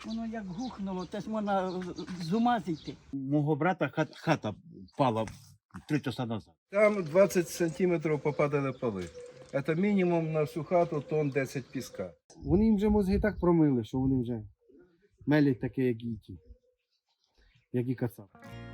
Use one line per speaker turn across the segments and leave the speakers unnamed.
Воно як гухнуло, теж можна з ума зійти.
Мого брата хата впала 3 часа назад.
Там 20 сантиметрів попадали поли. Це мінімум на всю хату тонн 10 піска.
Вони їм вже мозги так промили, що вони вже мелять таке, як і ті, як і кацап.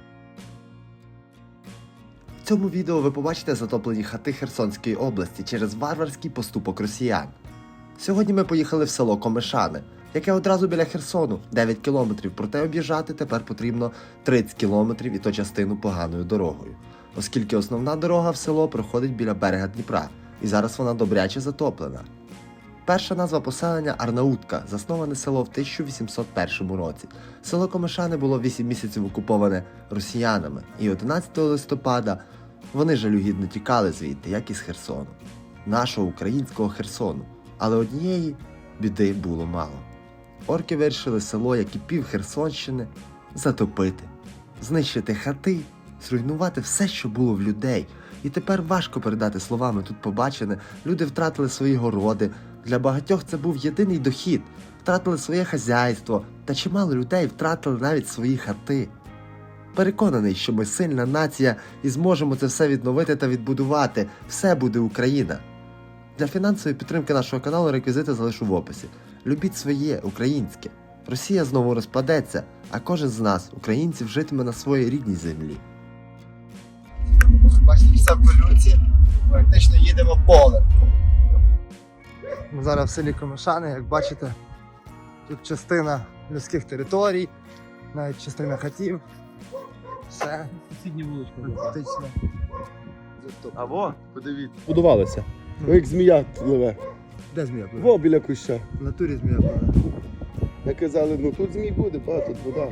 В цьому відео ви побачите затоплені хати Херсонської області через варварський поступок росіян. Сьогодні ми поїхали в село Комишани, яке одразу біля Херсону, 9 кілометрів, проте об'їжджати тепер потрібно 30 кілометрів і то частину поганою дорогою, оскільки основна дорога в село проходить біля берега Дніпра, і зараз вона добряче затоплена. Перша назва поселення – Арнаутка, засноване село в 1801 році. Село Комишани було 8 місяців окуповане росіянами, і 11 листопада вони жалюгідно тікали звідти, як із Херсону. Нашого українського Херсону. Але однієї біди було мало. Орки вирішили село, як і пів Херсонщини, затопити, знищити хати, зруйнувати все, що було в людей. І тепер важко передати словами тут побачене. Люди втратили свої городи, для багатьох це був єдиний дохід, втратили своє хазяйство, та чимало людей втратили навіть свої хати. Переконаний, що ми сильна нація і зможемо це все відновити та відбудувати. Все буде Україна. Для фінансової підтримки нашого каналу реквізити залишу в описі. Любіть своє, українське. Росія знову розпадеться, а кожен з нас, українців, житиме на своїй рідній землі. Бачите, все в колюці, практично їдемо полем. Ми зараз в селі Комишани, як бачите, тут частина людських територій, навіть частина хатів. Все.
Сусідня вуличка.
Практично.
Або, подивіться.
Будувалися. Як змія пливе.
Де змія буде?
Во, біля куща.
В натурі змія буде.
Як казали, ну тут змій буде, тут вода.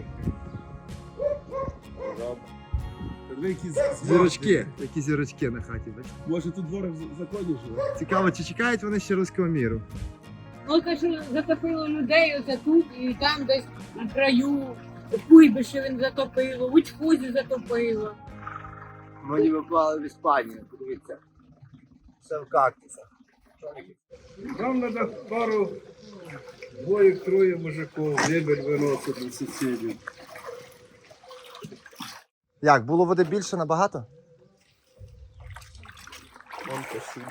Зірочки. Які зірочки на хаті, бачите?
Може тут ворог в законі живе?
Цікаво, чи чекають вони ще руського міру?
Ну, каже, затопило людей оце тут і там десь на краю. Куйбиші він затопило, у Чхузі затопило.
Ми випали в Іспанію, подивіться. Все в кактусах.
Нам треба пару, двоє-троє мужиків, мебель виносити на сусідів.
Як, було води більше набагато?
Вон посуді.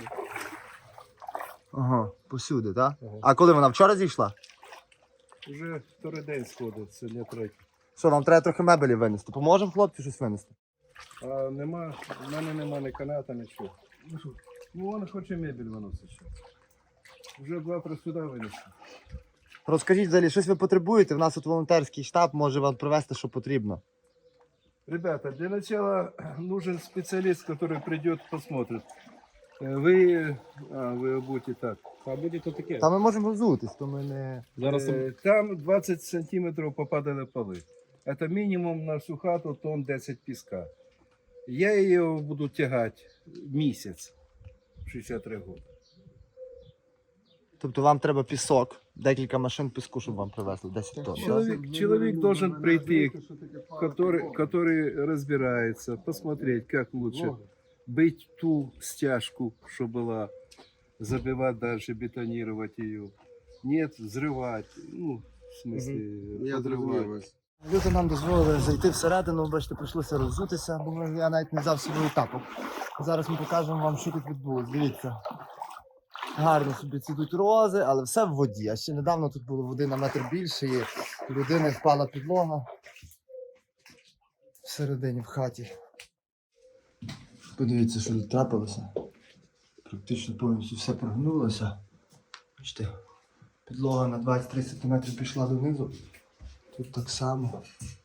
Ага, посюди, так? А коли вона вчора зійшла?
Вже вторий день сходить, сьогодні третій.
Що, нам треба трохи мебелі винести? Поможемо хлопцю щось винести?
А нема, в мене нема ні каната, нічого. Ну, він хоче мебель виносити ще. Вже завтра сюди винесу.
Розкажіть взагалі, щось ви потребуєте? В нас тут волонтерський штаб може вам привезти, що потрібно.
Ребята, для начала нужен специалист, который придет, посмотрит. Вы будете так.
А буде то таке.
Та ми можемо взутись, то ми не...
Зараз
Там 20 сантиметров попадали полы. Это минимум на всю хату тонн 10 песка. Я ее буду тягать месяц, 63 года.
Тобто вам треба пісок, декілька машин піску, щоб вам привезли, 10 тонн.
Человек должен прийти, который разбирается, посмотреть, как лучше быть ту стяжку, что была, забивать дальше, бетонировать ее. Нет, взрывать, ну, в смысле, подрывать.
Люди нам дозволили зайти всередину, бачите, прийшлося роззутися, бо я навіть не взяв свою тапок. Зараз ми покажемо вам, що тут відбулося. Дивіться. Гарно собі цвітуть рози, але все в воді. А ще недавно тут було води на метр більше, і у людини впала підлога всередині в хаті. Подивіться, що тут трапилося. Практично повністю все прогнулося. Бачите, підлога на 23 см пішла донизу. Тут так само.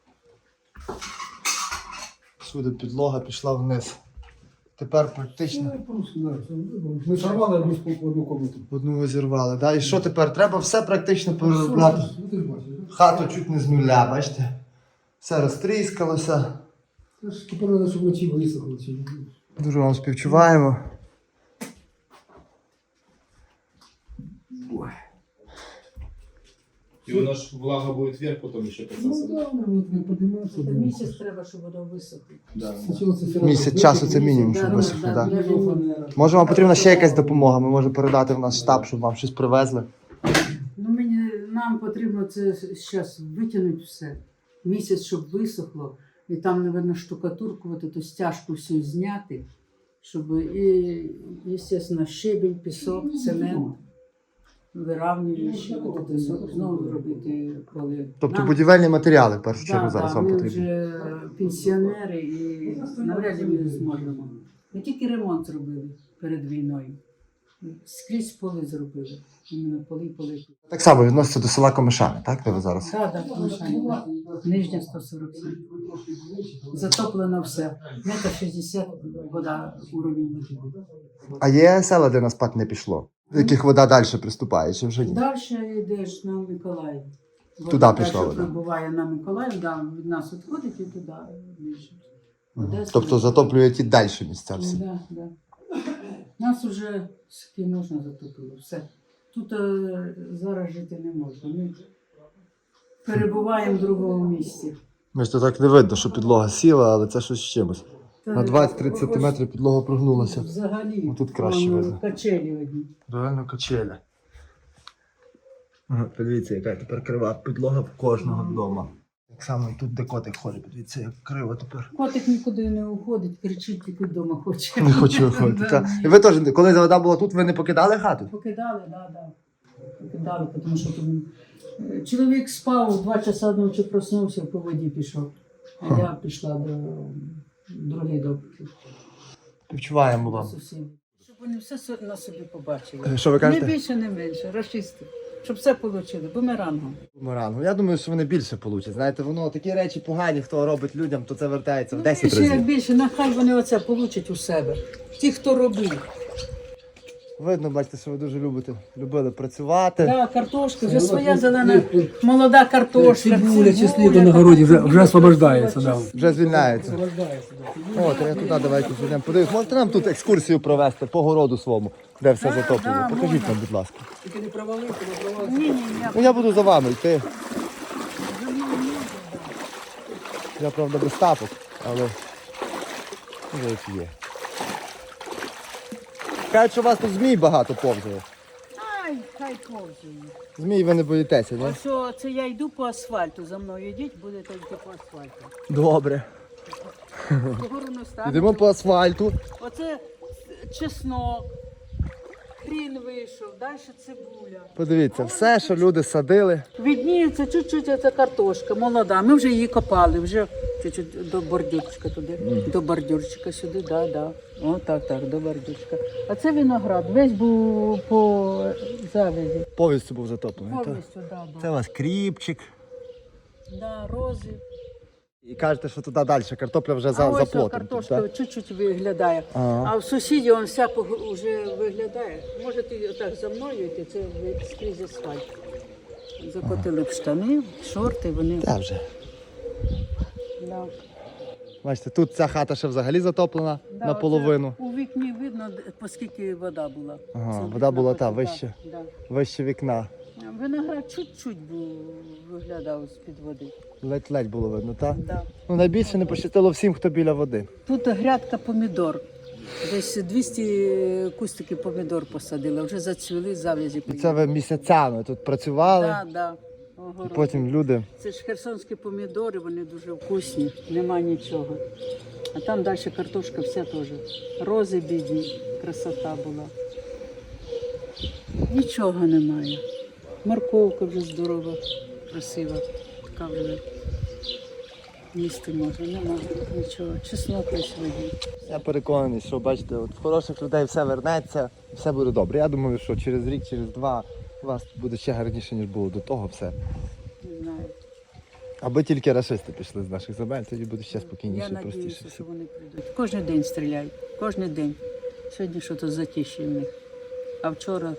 Всюди підлога пішла вниз. Тепер практично
Ми сорвали одну комнату.
одну зірвали. Да? І що тепер? Треба все практично переробляти. Хату чуть не з нуля, бачите? Все розтріскалося.
Тепер треба, щоб вночі висохло.
Дуже вам співчуваємо.
І воно ж влага буде вверх, потім ще
Ну так, не підіймався.
Місяць треба, щоб воно висохло.
Місяць часу це мінімум, щоб висохло. Да. Може вам потрібна ще якась допомога? Ми можемо передати в наш штаб, щоб вам щось привезли.
Ну, нам
нам потрібно це зараз витягнути все. Місяць, щоб висохло. І там, мабуть, штукатурку, от эту стяжку всю зняти, щоб і, звісно, щебінь, пісок, цемент, виравнюючи, знову робити коли.
Тобто будівельні матеріали в першу чергу
Да,
зараз
да,
вам
ми
потрібні.
вже пенсіонери і навряд ли ми зможемо. Ми тільки ремонт зробили перед війною. Скрізь поли зробили. Іменно поли.
Так само відноситься до села Комишани, так, де ви зараз?
Так, так, Комишани. Нижня 147. Затоплено все. 1,60 м вода, уровень води.
А є села, де на спад не пішло? В яких вода далі приступає, чи вже ні?
Далі йдеш на Миколаїв.
Туди пішла вода.
Прибуває на Миколаїв, да, від нас відходить і туди більше. Одеса.
Тобто затоплює ті далі місця всі.
Да, да. Нас вже скільки можна затопило, все. Тут зараз жити не можна. Ми перебуваємо в другому місці.
Бачите, так не видно, що підлога сіла, але це щось з чимось. На 20-30
Ось
см підлога прогнулася.
Взагалі,
Ну, тут краще видно.
качелі одні.
Реально качеля. Подивіться, яка тепер крива підлога в кожного вдома. Так само і тут, де котик ходить, подивіться, як криво тепер.
Котик нікуди не уходить, кричить, тільки вдома хоче.
Не хочу виходити.
Да.
та. І ви теж, коли вода була тут, ви не покидали хату?
Покидали, да. Покидали, тому що тут чоловік спав, 2 часа ночі проснувся, по воді пішов. А я пішла до другої допити.
Відчуваємо вам.
Сусідів. Щоб вони все на собі побачили.
Що ви
Не
кажете?
більше, не менше, рашисти. Щоб все отримали, бумерангом.
Бумерангу. Я думаю, що вони більше получать. Знаєте, воно такі речі погані, хто робить людям, то це вертається в 10
більше, як
разів.
більше, нехай вони оце получать у себе. Ті, хто робив.
Видно, бачите, що ви дуже любили працювати.
Да, картошка, вже своя зелена, молода картошка.
Цибуля, чесника на городі вже освобождається. Да.
Вже звільняється.
Освобождається, да.
О, то я туди давайте зайдемо. Подивись, можете нам тут екскурсію провести по городу своєму, де все затоплено?
да,
Покажіть
можна.
нам, будь ласка.
Тільки не провалити, не провалити.
Ні,
Ну я буду за вами йти. Я, правда, без тапок, але вже як є. Кажуть, що у вас тут змій багато повзає.
Ай, хай повзає.
Змій ви не боїтеся, ні?
Ось це я йду по асфальту, за мною йдіть, будете йти по асфальту.
Добре.
Вгору не станете.
Йдемо по асфальту.
Оце чеснок, хрін вийшов, далі цибуля.
Подивіться, все, що люди садили.
Відніється чуть-чуть оця картошка, молода. Ми вже її копали, вже чуть-чуть до бордюрчика туди, до бордюрчика сюди, да. О, так, до бордюрчика. А це виноград, весь був по завязі.
Повністю був затоплений. так?
Повністю, да.
Це у вас кріпчик.
Да, рози.
І кажете, що туди далі картопля вже
А
за
ось
плотом.
картошка чуть-чуть виглядає.
Ага.
А в сусідів він вся вже виглядає. Можете отак за мною йти, це скрізь асфальт. Закотили б штани, шорти, вони.
Та вже.
Да.
Бачите, тут ця хата ще взагалі затоплена
Да,
наполовину.
оце у вікні видно, оскільки вода була.
Ага,
Це
вода
вікна
була
потім,
вище.
Да.
Вище вікна.
Виноград чуть-чуть виглядав з-під води.
Ледь-ледь було видно, так?
Да.
Ну найбільше не пощастило всім, хто біля води.
Тут грядка помідор. Десь 200 кустиків помідор посадили, вже зацвіли, зав'язі.
І це ви місяцями тут працювали,
Да.
і
Огород.
потім люди.
Це ж херсонські помідори, вони дуже вкусні, нема нічого. А там далі картошка вся теж. Рози бідні, красота була. Нічого немає. Морковка вже здорова, красива. Така вже їсти можна, нема нічого. Чеснок весь воді.
Я переконаний, що бачите, от в хороших людей все вернеться, все буде добре. Я думаю, що через рік, через два у вас буде ще гарніше, ніж було до того все.
Не знаю.
Аби тільки рашисти пішли з наших земель, тоді буде ще
Я
спокійніше і простіше.
сподіваюся,
все.
що вони прийдуть. Кожен день стріляють, кожен день. Сьогодні щось затиші в них. А вчора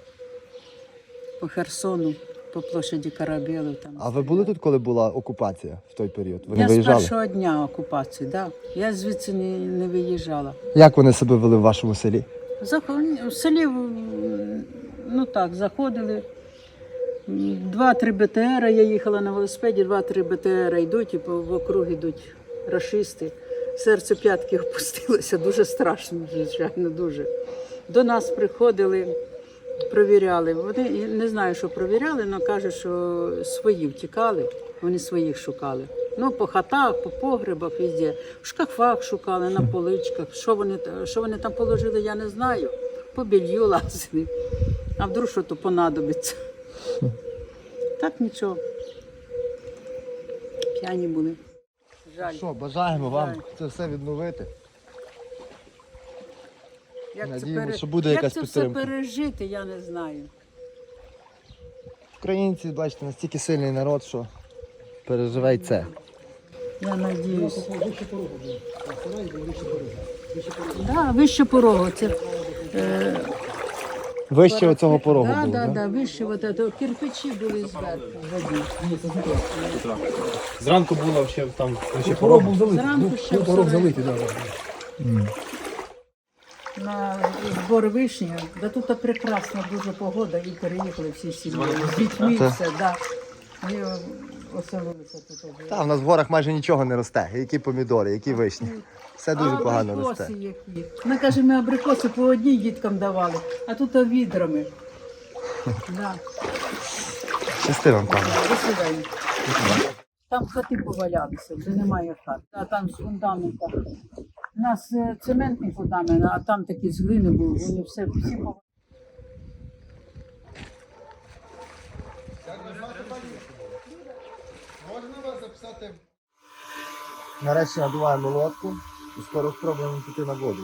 по Херсону, по площаді Карабєлу. Там
А ви були тут, коли була окупація в той період? Ви не
Я з
виїжджали?
першого дня окупації, да. Я звідси не виїжджала.
Як вони себе вели в вашому селі?
В селі, ну так, заходили. 2-3 БТР, я їхала на велосипеді, 2-3 БТР йдуть і в округ йдуть рашисти. Серце п'ятки опустилося, дуже страшно, звичайно, дуже. До нас приходили Провіряли. Вони я не знаю, що провіряли, але кажуть, що свої втікали, вони своїх шукали. Ну, по хатах, по погребах, везде. В шкафах шукали, на поличках. Що вони там положили, я не знаю. По білью лазили. А вдруг що то понадобиться. Так нічого. П'яні були. Жаль.
Що, бажаємо вам
Жаль.
це все відновити.
Як
Надіємося, що буде якась
Як це
підтримка.
все пережити, я не знаю.
Українці, бачите, настільки сильний народ, що переживе й це.
Я надіюсь. Да, вище порогу. Це,
Вище оцього порогу
да,
було,
да,
да?
да, вище кирпичі були зверху.
Зранку було ще там ще
Порог був залитий.
Зранку ще
Був порог
все
залитий, так.
На збор вишні. Да тут прекрасна дуже погода і переїхали всі сім'ї. З дітьми
Так.
все, да. І оселилися тут.
Та, в нас в горах майже нічого не росте. Які помідори, які вишні. Все дуже погано
абрикоси
росте.
які. Ми, каже, ми абрикоси по одній діткам давали, а тут відрами. Да.
Щасти вам, пане.
До свидання. Там хати повалялися, вже немає хат. А там з фундамента. У нас цементний фундамент, а там такі з глини були, вони всі повалялися.
Нарешті надуваємо лодку і скоро спробуємо піти на воду.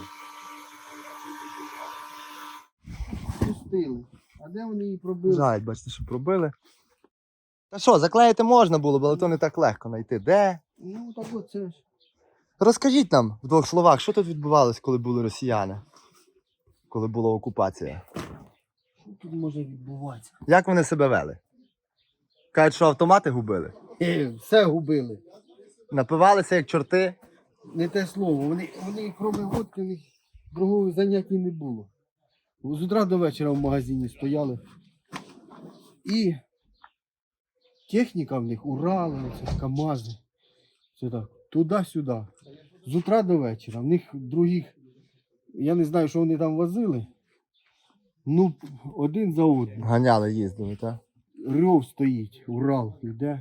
Пустили. А де вони її пробили?
Жаль, бачите, що пробили. Та що, заклеїти можна було, але то не так легко знайти. Де?
Ну так оце ж.
Розкажіть нам в двох словах, що тут відбувалось, коли були росіяни? Коли була окупація?
Що тут може відбуватися?
Як вони себе вели? Кажуть, що автомати губили?
Все губили.
Напивалися як чорти?
Не те слово. Вони крім водки, у них другого заняття не було. З утра до вечора в магазині стояли. І техніка в них, Урали, оце, КАМАЗи. Все так, туди-сюди. З утра до вечора. В них других, я не знаю, що вони там возили. Ну, один за одним.
Ганяли, їздили, так?
Рев стоїть, Урал йде.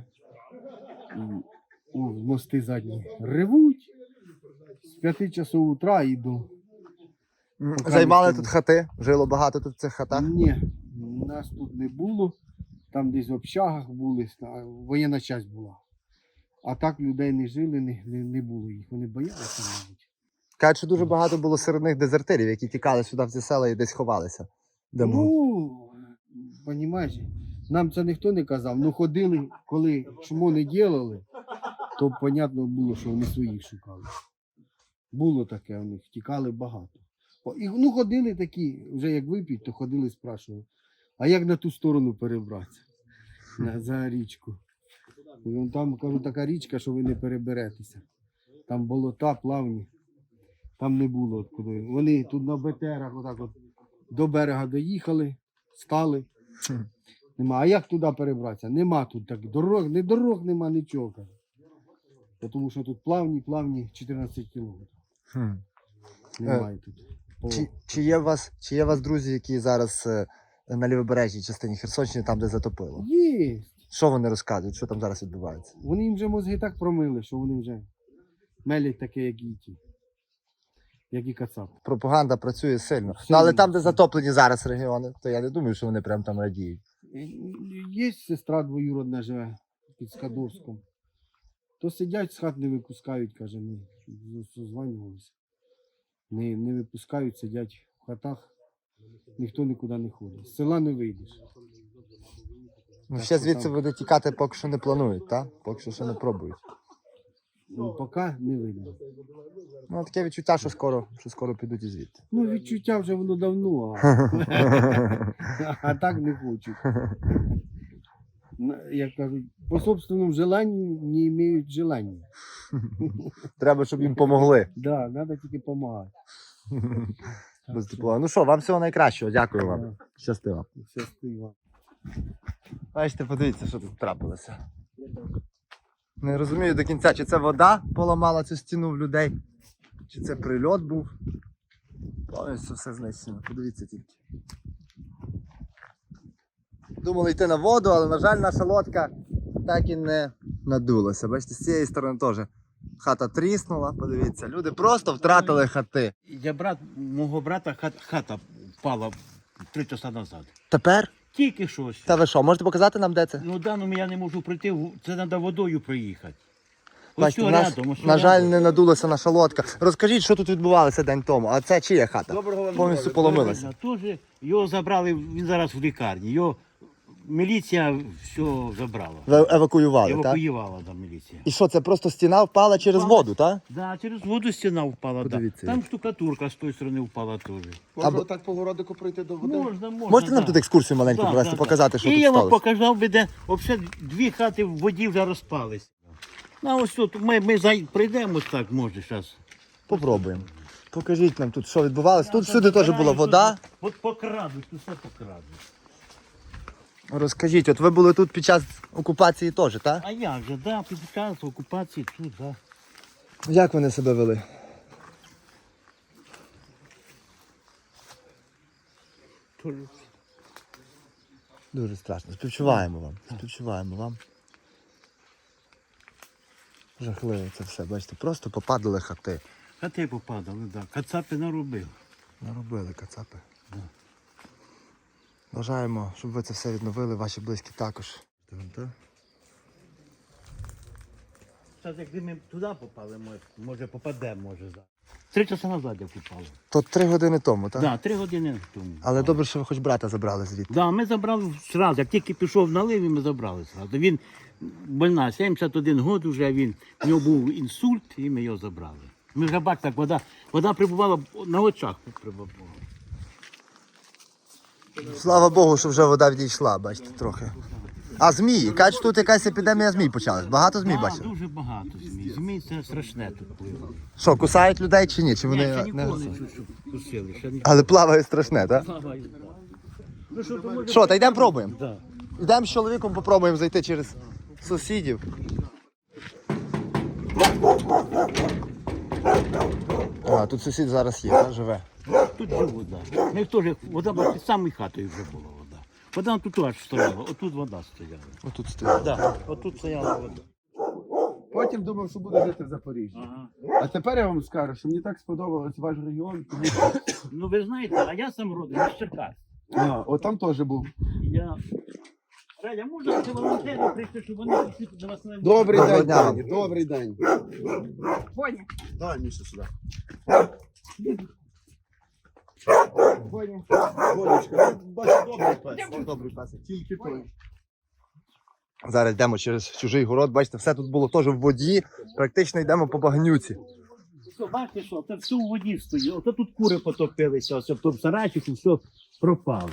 У мости задні. Ревуть. З 5 часов утра і до...
Займали
ніхто
тут
не-
хати? Жило багато тут в цих хатах?
Ні, нас тут не було. Там десь в общагах були, воєнна часть була. А так людей не жили, не було їх. Вони боялися, мабуть.
Кажуть, що дуже багато було серед них дезертирів, які тікали сюди в ці села і десь ховалися. Де могли.
Ну, розумієш, нам це ніхто не казав. Ну ходили, коли чому не робили, то понятно було, що вони своїх шукали. Було таке у них, тікали багато. Ну ходили такі, вже як вип'ють, то ходили, спрашували, а як на ту сторону перебратися? За річку. І вон там, кажу, така річка, що ви не переберетеся. Там болота, плавні. Там не було откуди. Вони тут на БТРах отак от до берега доїхали, стали. Нема. А як туди перебратися? Нема тут так дорог, не дорог нема, нічого. Кажу. Тому що тут плавні 14 кілометрів. Немає тут.
Чи є у вас друзі, які зараз на лівобережній частині Херсонщини, там, де затопило?
Є.
Що вони розказують, що там зараз відбувається?
Вони їм вже мозги так промили, що вони вже мелять таке, як і ті. Як і кацап.
Пропаганда працює сильно.
Сильно.
Ну, але там, де затоплені зараз регіони, то я не думаю, що вони прям там радіють.
Є сестра двоюродна живе під Скадовськом. То сидять, з хат не випускають, каже, ми созванювалися. Не випускають, сидять в хатах, ніхто нікуди не ходить. З села не вийдеш.
Ну,
Так
ще
що
звідси
там-
буде тікати, поки що не планують, так? Поки що ще не пробують.
Ну, поки не видно.
Ну, таке відчуття, що скоро підуть і звідти.
Ну, відчуття вже воно давно, а так не хочуть. Як кажуть, по собственному желанню не мають желання.
Треба, щоб їм помогли.
Да, треба тільки допомагати.
Без тепла. Ну що, вам всього найкращого. Дякую вам. Щасти вам.
Щасливо.
Бачите, подивіться, що тут трапилося. Не розумію до кінця, чи це вода поламала цю стіну в людей, чи це прильот був. Повністю все знищено. Подивіться тільки. Думали йти на воду, але, на жаль, наша лодка так і не надулася. Бачите, з цієї сторони теж хата тріснула, подивіться. Люди просто втратили хати.
Мого брата хата впала 3 часа назад.
Тепер?
Тільки щось.
Та ви що, можете показати нам, де це?
Ну даному я не можу прийти, це треба водою проїхати. Ось
Бачите,
що
у нас,
рядом, ось що
на жаль,
рядом.
не надулася наша лодка. Розкажіть, що тут відбувалося день тому. А це чия хата? Повністю поломилася.
Тоже його забрали, він зараз в лікарні. Його міліція все забрала.
Ви евакуювали, так?
Евакуювала там міліція.
І що, це просто стіна впала через воду, так?
Да, через воду стіна впала. Да.
Подивіться.
Там штукатурка з тої сторони впала теж.
Можна так по городику пройти до води?
Можна.
Можете нам
да.
тут екскурсію маленьку
Да,
провести,
да,
показати, що
і
тут
я вам
сталося?
показав би, де взагалі 2 хати в воді вже розпались. Ну, ось тут ми прийдемо так, може, зараз.
Попробуємо. Покажіть нам тут, що відбувалося. Тут всюди теж була вода.
От покрадуть, тут все покрадуть.
Розкажіть, от ви були тут під час окупації теж, так?
А як же, да, під час окупації тут, да.
Як вони себе вели? Дуже страшно. Співчуваємо вам. Співчуваємо вам. Жахливо це все. Бачите, просто попадали хати.
Хати попадали, да. Кацапи наробили.
Наробили кацапи. Бажаємо, щоб ви це все відновили, ваші близькі також.
Зараз якби ми туди попали, може попадемо, може зараз. 3 часа назад я попав.
То 3 години тому, так?
Так, 3 години тому.
Але добре, що ви хоч брата забрали звідти.
Да, ми забрали одразу, як тільки пішов налив, ми забрали одразу. Він больна, 71 год вже, у нього був інсульт, і ми його забрали. Ми вже бачите, так вода прибувала на очах. Прибувала.
Слава Богу, що вже вода відійшла, бачите, трохи. А змії? Кажуть, тут якась епідемія змій почалась. Багато змій
Да,
бачили?
дуже багато змій. Змій це страшне тут пливає.
Що, кусають людей чи ні? Чи
Ні,
вони
ще
не...
ніколи не чув, щоб кусили. Ще
Але плаває страшне, так?
плавають, да. Ну, що, то може...
Що, та йдемо пробуємо?
Да.
Йдемо з чоловіком, попробуємо зайти через сусідів. А, тут сусід зараз є, так, живе.
Тут же вода. Ми теж, вода була під самою хатою вже була вода. Вода тут аж стояла, отут вода стояла.
Отут стоїть.
Да, отут стояла вода.
Потім думав, що буду жити в Запоріжжі.
Ага.
А тепер я вам скажу, що мені так сподобався ваш регіон. Тому що
Ну ви знаєте, а я сам родом з Черкас.
от там теж був.
Радя, можна це волонтери прийти, щоб вони прийшли до вас на
Добрий
Доброго
день,
дня вам.
пані, добрий день.
Боня.
Давай, Міша, сюди. Бонечка, бачу, добрий пес. Добрий пес. Тільки той.
Зараз йдемо через чужий город, бачите, все тут було теж в воді, практично йдемо по багнюці.
Що, бачите, що це все у воді стоїть. Ото тут кури потопилися, ось в тому сарайчику все пропало.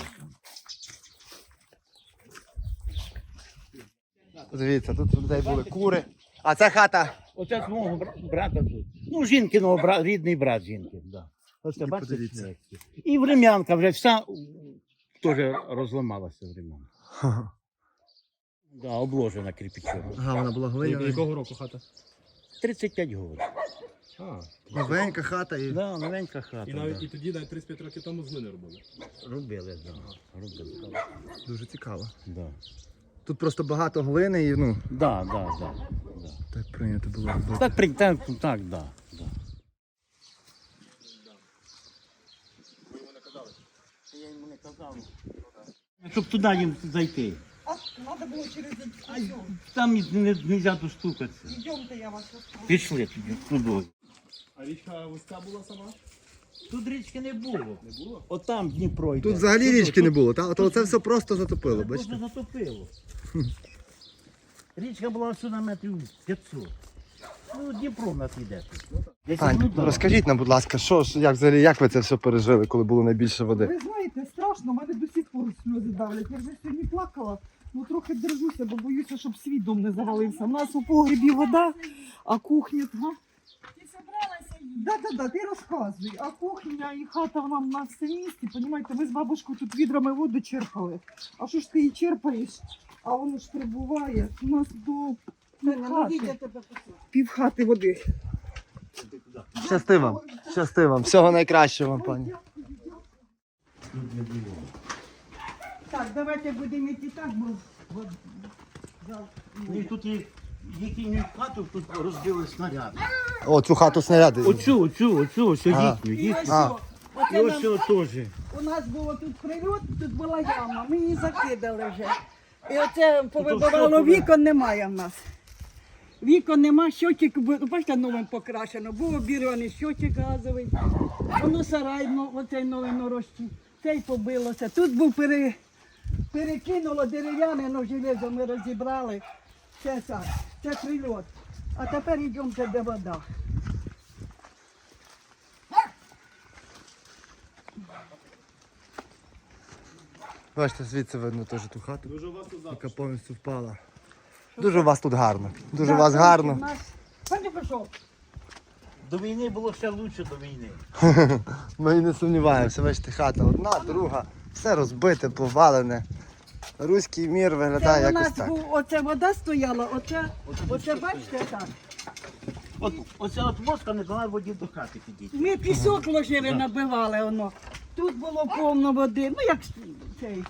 Дивіться, тут у людей були кури. А це хата.
Оце з мого брата тут. Ну, жінкиного рідний брат жінки, да. Оце, бачите,
подивіться.
смерті. І врем'янка вже вся теж розламалася врем'янка. Да, обложена кирпичом.
Ага, вона була глиняна.
Якого року хата?
35 років.
Новенька хата і...
Да, новенька хата.
І навіть
да.
і тоді, навіть 35 років тому з глини робили.
Робили, да. Робили.
Дуже цікаво.
Да.
Тут просто багато глини і, ну,
Да, да, да.
так прийнято було робити.
Так, да. Я йому не казав. Щоб туди їм зайти.
Надо було через
Там не можна достукатися.
Йдемте, я вас розкажу.
Пішли туди.
А річка вузька була сама?
Тут річки не було. Не було? Отам Дніпро йде.
Тут взагалі
Туди,
річки не
тут-
було, так? Ото це все просто затопило,
Тут
бачите?
просто затопило. Річка була всю на метрів 500. Ну, Дніпро в нас йде тут. Десь
Тань,
туди.
розкажіть нам, будь ласка, як взагалі, як ви це все пережили, коли було найбільше води?
Ви знаєте, страшно, мене до сих пор сльози давлять. Я вже сьогодні плакала, ну трохи держуся, бо боюся, щоб свій дом не завалився. У нас у погребі вода, а кухня... Га? Ти зібралася? Да, ти розказуй. А кухня і хата вона в нас все в місті, понімаєте, ми з бабушкою тут відрами воду черпали. А що ж ти її черпаєш, а воно ж прибуває. У нас до півхати води.
Щасти вам, всього найкращого вам, пані.
Тут не було.
Так, давайте будемо йти так, бо...
І тут їхню хату тут розбили снаряди.
О, цю хату снаряди.
Оцю, ось
Ага.
їхню,
І ось
їхню.
А.
що,
І
оце
ось
нам-
цього теж.
у нас було тут прильот, тут була яма, ми її закидали вже. І оце повибивало
що
вікон, немає в нас. Вікон нема, щотчик, бачите, новим покрашено. Був обірваний щотчик газовий, воно сарай, оцей новий норощі, цей побилося. Тут був перекинуло дерев'яне, но железо ми розібрали. Це прильот. А тепер йдемо, де вода.
Бачите, звідси видно теж ту хату,
Дуже у вас тут
яка повністю впала. Дуже у вас тут гарно. Дуже у вас гарно.
Пані пішов.
До війни було ще краще до війни.
Ми і не сумніваємося. Бачите, хата одна, друга, все розбите, повалене. Руський мір виглядає
Це у
якось
нас
так.
оце вода стояла, оце бачите так.
Оця от мозка не дала воді до хати підійти.
Ми пісок ложили, набивали воно. Тут було повно води. Ну як цей.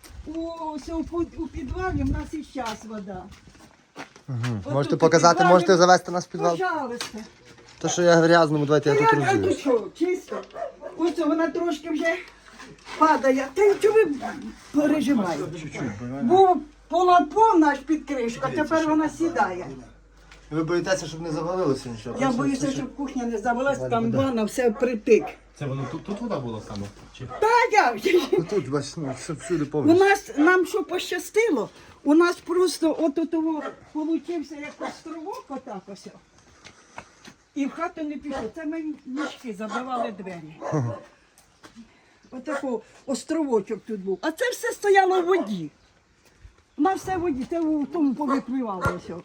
У підвалі в нас і зараз вода. Отут
Можете
у
показати,
підвалі-
можете завести нас в підвал.
Пожалуйста.
То, що я грязному, давайте я тут
А
розділю.
тут що, чисто? Ось вона трошки вже падає. Та й чого ви переживаєте? Був була повна аж під кришку, а тепер вона сідає.
Ви боїтеся, щоб не завалилося нічого?
Я боюся, щоб кухня не завелась, там ванна, все припик.
Це воно тут вода була саме? Чи?
Та як? же?
Тут, бачите, ну, все всюди
У
повністю.
нас, нам що пощастило, у нас просто от того получився як островок отак ось. І в хату не пішло. Це ми мішки забивали двері. Отакий островочок тут був. А це все стояло в воді. У нас все в воді, це в тому повипливало все.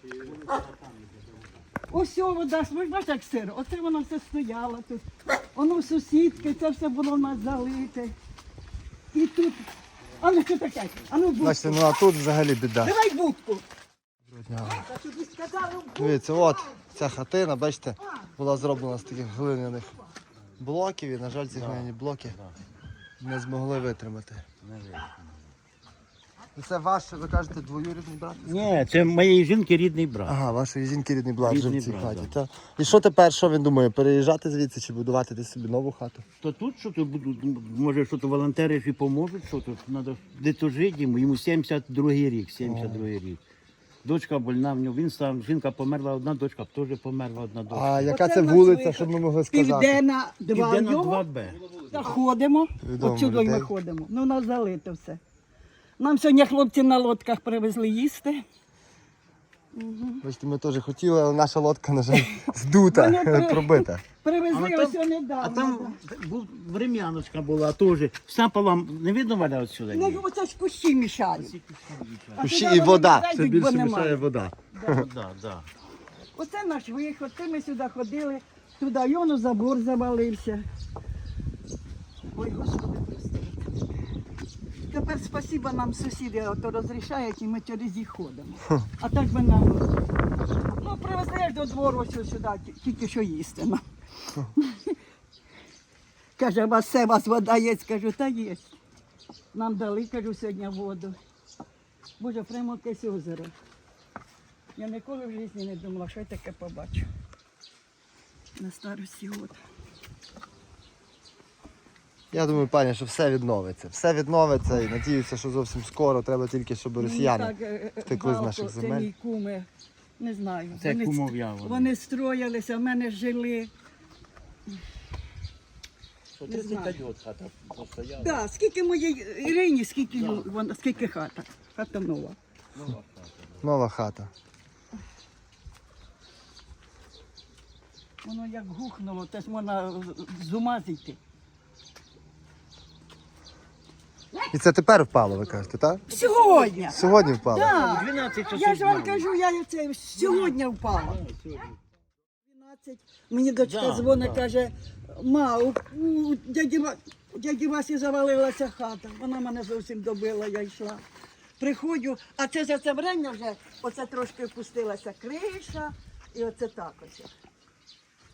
Ось ця вода, ви ж бачите, як сиро. Оце воно все стояло тут. Воно сусідки, це все було в нас залите. І тут. А ну що таке? А ну будку.
Бачите, ну а тут взагалі біда.
Давай будку. Та тобі сказали, будку.
Дивіться, от ця хатина, бачите, була зроблена з таких глиняних блоків, і, на жаль, ці глиняні блоки не змогли витримати. І це ваш, ви кажете, двоюрідний брат?
Ні, це моєї жінки рідний брат.
Ага, вашої жінки рідний брат вже
Рідний
в цій
брат,
хаті.
да.
Та? І що тепер, що він думає, переїжджати звідси чи будувати десь собі нову хату?
То тут що то будуть, може, що то волонтери ж і поможуть, що тут треба де-то жити йому 72-й рік, 72-й рік. Дочка больна в нього, він сам, жінка померла одна, дочка теж померла одна дочка.
А яка
Оце
це
в нас
вулиця,
виход.
щоб ми могли сказати?
Південна 2
Південна
його.
2Б.
Заходимо,
Відомо
отсюди ми
людей.
ходимо. Ну, у нас залито все. Нам сьогодні хлопці на лодках привезли їсти.
Бачите, ми теж хотіли, але наша лодка, на жаль, здута,
Вони
пробита.
Привезли
А там-
ось недавно.
А там був врем'яночка була теж. Вся полам, не видно валя отсюди?
Ну,
Ні?
оце ж кущі мішають. А
Ще
туди
і
вони
вода,
не
це
зайдуть,
більше
бо немає.
мішає вода.
Да, да.
Оце наш виход, це ми сюди ходили, туди й воно забор завалився. Ой, Господи, прости. Тепер спасіба нам сусіди ото розрішають і ми через їх ходимо. А так би нам, ну привезли до двору ось сюди, тільки що їсти нам. Каже, у вас вода є? Кажу, та є. Нам дали, кажу, сьогодні воду. Боже, прямо якесь озеро. Я ніколи в житті не думала, що я таке побачу. На старості год.
Я думаю, пані, що все відновиться. Все відновиться і надіюся, що зовсім скоро. Треба тільки, щоб росіяни втекли з наших
Це
земель.
мій куми, не знаю.
Це
Вони-
кумов'я вони.
Вони строїлися, в мене жили.
Що
Не знаю.
35 років хата постояла.
Да, скільки моєї Ірині, скільки, вона, скільки хата. Хата нова.
Нова хата.
Воно як гухнуло, теж можна з ума зійти.
І це тепер впало, ви кажете, так?
Сьогодні.
Сьогодні впало.
Так.
12 часов
Я ж вам
дня.
кажу, я це сьогодні впала. 12. Мені дочка
Да,
дзвонить,
да.
каже, ма, у дяді Васі завалилася хата. Вона мене зовсім добила, я йшла. Приходжу, а це за це время вже оце трошки опустилася криша, і оце так ось.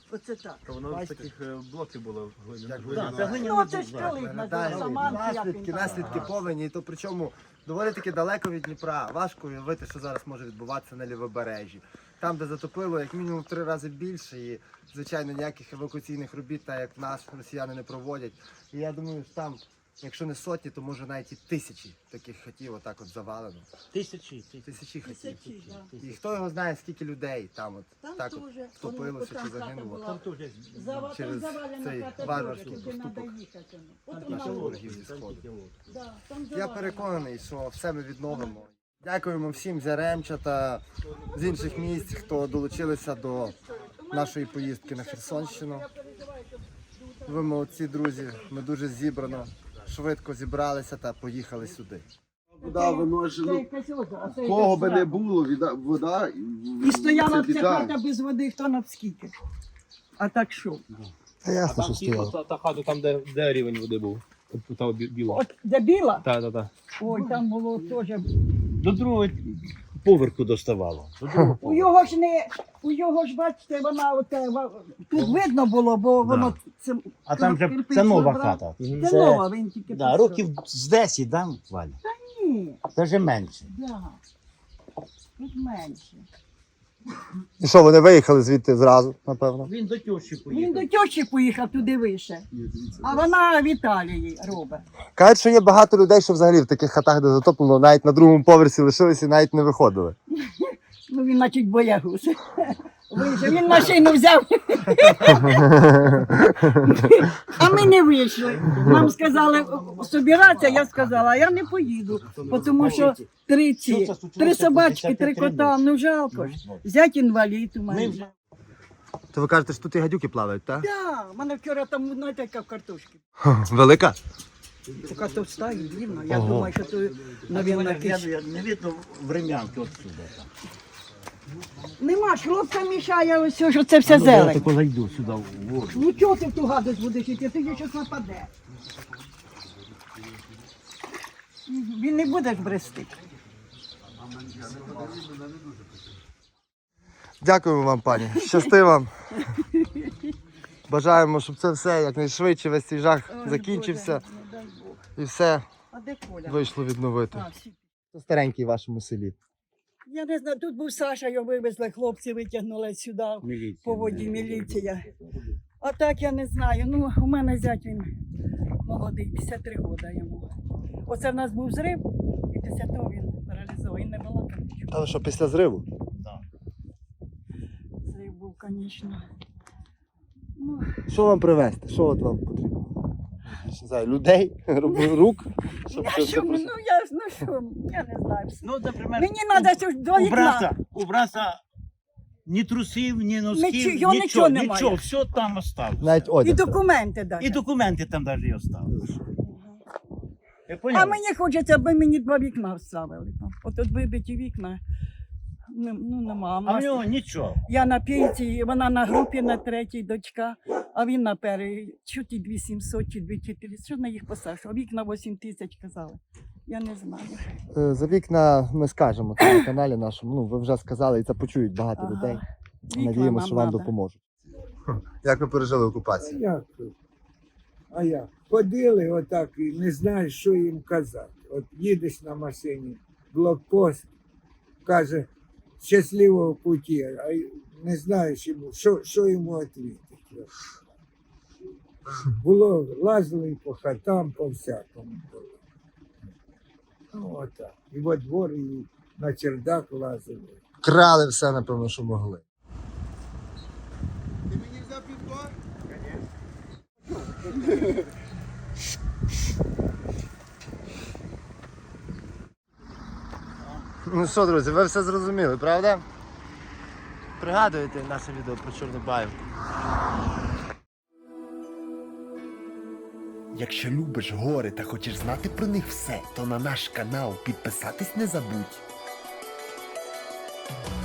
Оце так.
То воно з таких блоків було.
Да, це глиняний
Ну, це
був,
ж
да.
коли
Пам'ятаєш, наслідки повені, і то причому доволі таки далеко від Дніпра. Важко уявити, що зараз може відбуватися на лівобережжі. Там, де затопило, як мінімум 3 рази більше, і, звичайно, ніяких евакуаційних робіт, так як в нас, росіяни не проводять. І я думаю, що там, якщо не сотні, то може навіть і тисячі таких хатів отак от завалено.
Тисячі.
Тисячі хатів.
Тисячі, да.
І хто його знає, скільки людей там от
Там
так
теж,
от втопилося
там
чи
хата
загинуло.
була.
Там теж
Через цей варварський поступок
От
наших
вона
ворогів зі сходу.
да, там
Я
завалена.
переконаний, що все ми відновимо. Дякуємо всім з Яремча та з інших місць, хто долучилися до нашої поїздки на Херсонщину. Ви молодці, друзі. Ми дуже зібрано, швидко зібралися та поїхали сюди.
Вода виносила.
Це якесь озеро, це
Кого
якесь
би не
срака.
було, вода
І стояла
це
ця
біда.
хата без води, хто навскільки. А так що?
Та ясно, що стояло.
Та хата там, де рівень води був. Та біла.
От де біла,
Так.
ой, там було теж.
до другого поверху доставало. До другого
У його ж, бачите, вона оте, тут видно було, бо воно це.
А там же
кирпич
це нова
набрав.
хата.
Це нова, він тільки
Да,
пішов.
років з 10, да, Валя?
Ні,
Даже менше.
да. Тут менше.
І що, вони виїхали звідти зразу, напевно?
Він до тещі
Він
поїхав.
до тьощі поїхав туди вище, а вона в Італії робить.
Кажуть, що є багато людей, що взагалі в таких хатах, де затоплено, навіть на другому поверсі лишилися і навіть не виходили.
Ну він, значить, боягуз. Вийшов. Він машину взяв. А ми не вийшли. Нам сказали собиратися, я сказала, а я не поїду, тому що три собачки, 3 кота, ну жалко ж. Зять інвалід у
Ми
мене.
вже
То ви кажете, що тут і гадюки плавають, так?
Так, в мене вчора там, знаєте, яка картошки.
Велика?
Така товста і длинна. Я
Ого.
думаю, що то, мабуть, якийсь...
не видно врем'янки отсюда.
Нема, хлопця мішає ось, що це все
Я
зелень.
тако зайду сюди в воду.
Ну чого ти в ту гадость будеш йти, ти її щось нападе. Він не буде ж брести.
Дякуємо вам, пані. Щасти вам. Бажаємо, щоб це все якнайшвидше, весь цей жах закінчився
Боже, не дай Бог.
і все
А де Коля?
вийшло відновити.
А, всі.
Це старенький в вашому селі.
Я не знаю, тут був Саша, його вивезли, хлопці витягнули сюди,
Міліція.
по воді міліція. А так я не знаю. Ну, у мене зять він молодий, 53 роки йому. Оце в нас був зрив, і після того він паралізований, не балакав нічого.
Але що, після зриву?
Зрив був, звісно. Ну,
Що вам привезти? Що от вам потрібно? Не знаю, людей, рук? Щоб
я
це
що,
все
ну що, я не знаю.
Ну, наприклад,
Мені треба щось до вікна.
у брата ні трусів, ні носків,
Його нічого немає.
нічого, все там осталось.
навіть
І
одяг.
документи дати.
І документи там навіть і осталось. Я
А
поняв?
мені хочеться, аби мені 2 вікна вставили. От тут вибиті вікна. Ну, нема.
А в нього нічого.
Я на п'ятій, вона на групі на 3-й, дочка, а він на першій. Чуть і 2700 чи 2400. Що на їх посаджу? А вікна 8 тисяч казали. Я не знаю.
За вікна ми скажемо це на каналі нашому. Ну, ви вже сказали, і це почують багато
Ага.
людей.
Вікна
Надіємося,
нам
що вам
надо.
допоможуть. Як ви пережили окупацію?
Як тут? А як? Ходили отак і не знаєш, що їм казати. От їдеш на машині, блокпост, каже, щасливого путі, а й не знаєш йому, що йому відповідати. Було, лазили по хатам, по всякому було. Ну, отак. І во двор, і на чердак лазили.
Крали все, напевно, що могли.
Ти мені взяв підбор?
Ну що, друзі, ви все зрозуміли, правда? Пригадуєте наше відео про Чорнобаївку?
Якщо любиш гори та хочеш знати про них все, то на наш канал підписатись не забудь.